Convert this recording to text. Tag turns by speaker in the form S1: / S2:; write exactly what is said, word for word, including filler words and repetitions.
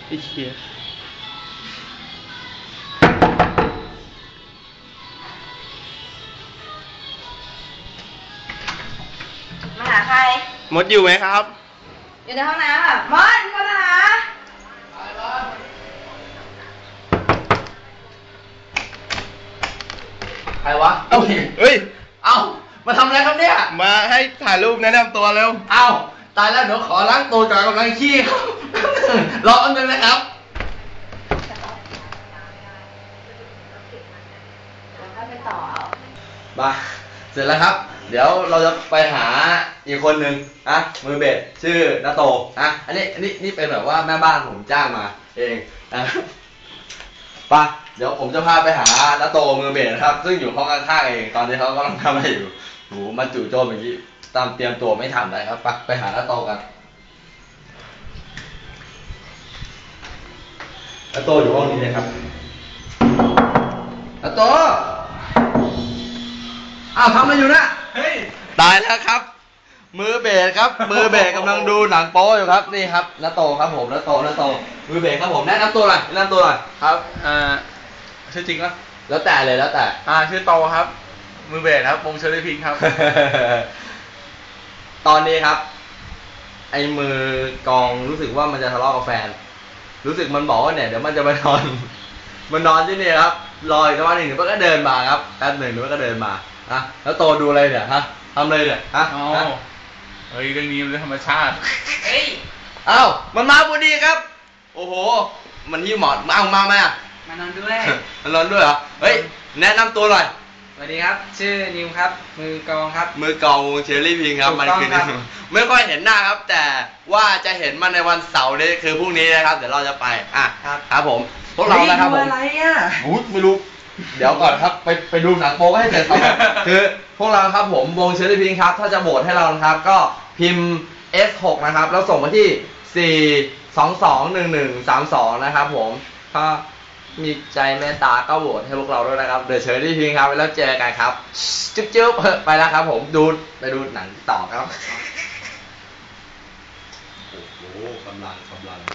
S1: ไอ้เชี่ย
S2: มาหาใคร
S1: มดอยู่ไหมครับ
S2: อยู่ในห้องน้ำอ่ะมดมีคนมาหา
S3: ใครวะ
S1: เอ้าเฮ้ย
S3: เอ้ามาทำอะไรครับเนี่ย
S1: มาให้ถ่ายรูปแนะนำตัวเร็ว
S3: เอ้าตายแล้วเดี๋ยวขอล้างตัวก่อนกำลังขี้ครับ รออันนึงนะครับ
S2: แล้วไปต่อเอา
S3: มาเสร็จแล้วครับ เดี๋ยวเราจะไปหาอีกคนหนึ่งนะมือเบสชื่อนาโตนะอันนี้อันนี้นี่เป็นแบบว่าแม่บ้านผมจ้างมาเองนะไปเดี๋ยวผมจะพาไปหานาโตมือเบสนะครับ ซึ่งอยู่ห้องข้างๆเองตอนนี้เขากำลังทำอะไรอยู่โหมาจู่โจมอย่างนี้ตามเตรียมตัวไม่ทันเลยครับไปไปหานาโตกันนาโตอยู่ห้องนี้เลยครับนาโตอ้าวทำอะไรอยู่นะเฮ้ยตายแล้วครับ มือเบสครับ มือเบสกำลังดูหนังโป๊อยู่ครับนี่ครับนาโตครับผมนาโตนาโตมือเบสครับผมแนะนำตัวหน่อยแนะนำตัวหน่อย
S1: ครับอ่าชื่อจริงปะ
S3: แล้วแต่เลยแล้วแต่
S1: อ่าชื่อโตครับ มือเบสครับวงเชอรี่พิงค์ครับ
S3: ตอนนี้ครับ ไอ้มือกองรู้สึกว่ามันจะทะเลาะกับแฟน รู้สึกมันบอกว่าเนี่ยเดี๋ยวมันจะมานอน มันนอนที่นี่ครับรออีกสักวันหนึ่งเดี๋ยวมันก็เดินมาครับแป๊บหนึ่งเดี๋ยวมันก็เดินมาอะแล้วโตดูอะไรเนี่ยฮะทำอะไรเนี่ยฮะ
S1: อ๋อ
S3: ฮะ
S1: เฮ้ยเรื่องนี้มันเรื่องธรรมชาติ
S2: เฮ้ย
S3: เอ้ามันมาพอดีครับ โอ้โห มันที่หมอนมาเอามาไหมอ่ะ
S2: มานอนด้วย
S3: มันร้อนด้วยเหรอ เฮ้ย แนะนำตัวหน่อย
S2: สวัสดีครับ ชื่อนิวครับ มือกองครับ
S3: มือกลองวงเชอรี่พิงครับ
S2: ถูก
S3: มัน
S2: ต้อง
S3: คือ
S2: ครับ
S3: ไม่ค่อยเห็นหน้าครับ แต่ว่าจะเห็นมันในวันเสาร์นี้คือพรุ่งนี้นะครับ เดี๋ยวเราจะไป อ่ะ
S2: ครับ
S3: ครับผม พวกเรานะครับผม
S2: ดูอะไรอ่ะ
S3: อุ๊ยไม่รู้ เดี๋ยวก่อนครับ ไปไปดูหนังโป๊ให้เสร็จครับ คือพวกเราครับผมวงเชอรี่พิงครับ ถ้าจะโหวตให้เรานะครับ ก็พิมพ์ เอส หก นะครับ แล้วส่งมาที่ สี่ สอง สอง หนึ่ง หนึ่ง สาม สอง นะครับผมถ้ามีใจเมตตาก็โหวตให้พวกเราด้วยนะครับ เดอะเชอรี่พิงครับ แล้วเจอกันครับ จุ๊บจุ๊บไปแล้วครับผมดูไปดูหนังต่อครับ โอ้โหกำลังกำลัง